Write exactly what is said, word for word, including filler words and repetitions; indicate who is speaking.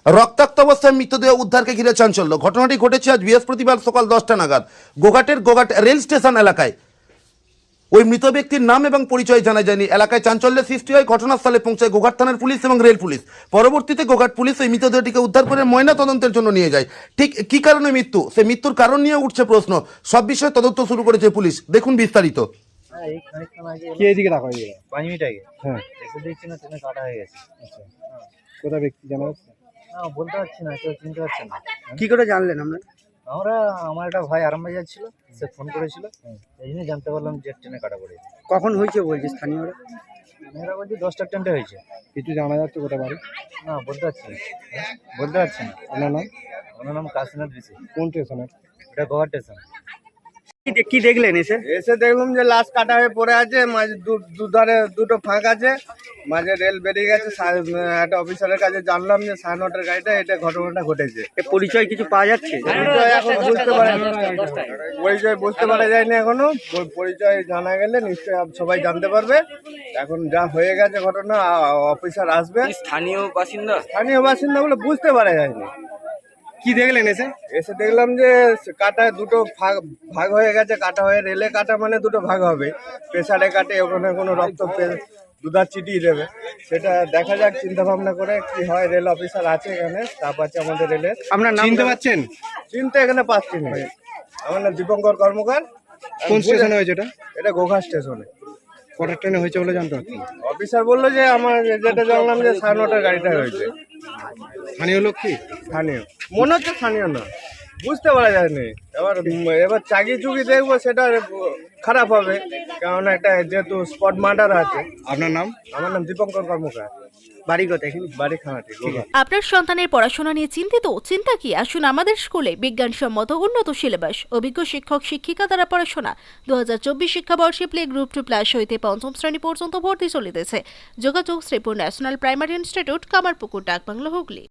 Speaker 1: রক্তাক্ত অবস্থায় মৃতদেহ উদ্ধারকে ঘিরে চাঞ্চল্য। ঘটনাটি ঘটেছে আজ বৃহস্পতিবার সকাল দশটা নাগাদ গোঘাটের গোঘাট রেল স্টেশন এলাকায়। ওই মৃত ব্যক্তির নাম এবং পরিচয় জানা যায়নি। এলাকায় চাঞ্চল্যের সৃষ্টি হয়। ঘটনাস্থলে পৌঁছায় গোঘাট থানার পুলিশ এবং রেল পুলিশ। পরবর্তীতে গোঘাট পুলিশ ওই মৃতদেহটিকে উদ্ধার করে ময়না তদন্তের জন্য নিয়ে যায়। ঠিক কি কারণে মৃত্যু, সে মৃত্যুর কারণ নিয়ে উঠছে প্রশ্ন। সব বিষয়ে তদন্ত শুরু করেছে পুলিশ। দেখুন বিস্তারিত।
Speaker 2: হ্যাঁ, এই খানিকক্ষণ আগে
Speaker 3: কে এদিকে রাখা হয়ে গেল?
Speaker 2: পাঁচ মিনিট আগে
Speaker 3: হ্যাঁ,
Speaker 2: এসে দেখছি না ট্রেনে কাটা হয়ে গেছে।
Speaker 3: আচ্ছা। কোথায় ব্যক্তি জানা যাচ্ছে?
Speaker 2: না বলতে পারছি না, কেউ চিনতে পারছে না।
Speaker 3: কি করে জানলেন আমরা?
Speaker 2: আমরা আমার একটা ভাই আরামবাগ যাচ্ছিল, সে ফোন করেছিল, এই জন্যই জানতে পারলাম যে ট্রেনে কাটা পড়েছে।
Speaker 3: কখন হয়েছে বলছে স্থানীয়রা?
Speaker 2: মেয়েরা বলছি দশটার ট্রেনটা হয়েছে।
Speaker 3: কিছু জানা যাচ্ছে কোথায় বাড়ি?
Speaker 2: না বলতে পারছি না, বলতে পারছি না।
Speaker 3: আপনার নাম?
Speaker 2: ওনার নাম কাশীনাথ বিশি।
Speaker 3: কোন স্টেশনের?
Speaker 2: এটা গোয়া স্টেশন।
Speaker 3: কি দেখলেন এসে?
Speaker 4: এসে দেখলাম যে লাশ কাটা হয়ে পড়ে আছে, মাঝে দু- দুধারে দুটো ফাঁক আছে, মাঝে রেল বেরিয়ে গেছে। সা- একটা অফিসারের কাছে জানলাম যে সাড়ে নটার গাড়িটা এটা ঘটনাটা ঘটেছে।
Speaker 3: এ পরিচয় কিছু পাওয়া যাচ্ছে?
Speaker 4: পরিচয় এখন বুঝতে পারে পরিচয় বুঝতে পারা যায়নি এখনো। প- পরিচয় জানা গেলে নিশ্চয়ই আপ- সবাই জানতে পারবে। এখন যা হয়ে গেছে ঘটনা, আ- অফিসার আসবে।
Speaker 3: স্থানীয় বাসিন্দা?
Speaker 4: স্থানীয় বাসিন্দা বলে বুঝতে পারা যায়নি।
Speaker 3: কি দেখলেন এসে?
Speaker 4: এসে দেখলাম যে কাটায় দুটো ভাগ ভাগ হয়ে গেছে। কাটা হয়ে রেলে কাটা মানে দুটো ভাগ হবে। প্রেসারে কাটে, ওখানে কোনো রক্ত পে- দুধার চিটিয়ে দেবে। সেটা দেখা যাক, চিন্তা ভাবনা করে কি হয়। রেল অফিসার আছে এখানে, স্টাফ আছে আমাদের রেলের।
Speaker 3: আপনার নাম চিনতে পারছেন?
Speaker 4: চিন্তা এখানে পাচ্ছি না। আমার নাম দীপঙ্কর কর্মকার।
Speaker 3: কোন স্টেশনে হয়েছে এটা?
Speaker 4: এটা গোঘাট স্টেশনে।
Speaker 3: কটার ট্রেনে হয়েছে বলে জানতে পারছেন?
Speaker 4: অফিসার বললো যে আমার যেটা জানলাম যে সাড়ে নটার গাড়িটা হয়েছে।
Speaker 3: স্থানীয় লোক কি?
Speaker 4: স্থানীয় মনে হচ্ছে, স্থানীয় না, বুঝতে পারা যায়নি। এবার উম, এবার চাকি চুকি দেখবো, সেটা খারাপ হবে, কারণ একটা যেহেতু স্পট মার্ডার আছে।
Speaker 3: আপনার নাম?
Speaker 4: আমার নাম দীপঙ্কর কর্মকার।
Speaker 3: বাড়ি কোথায়? এখানে
Speaker 4: বাড়ি খানাটি গোঘাট।
Speaker 5: আপনার সন্তানের পড়াশোনা নিয়ে চিন্তিত? চিন্তা কি, আসুন আমাদের স্কুলে। বিজ্ঞানসম্মত উন্নত সিলেবাস, অভিজ্ঞ শিক্ষক শিক্ষিকা দ্বারা পড়াশোনা। দু হাজার চব্বিশ শিক্ষাবর্ষে প্লে গ্রুপ টু প্লাস হইতে পঞ্চম শ্রেণী পর্যন্ত ভর্তি চলিতেছে। যোগাযোগ Sripur national primary institute, Kamarpukur, Dakbungalow, Hooghly.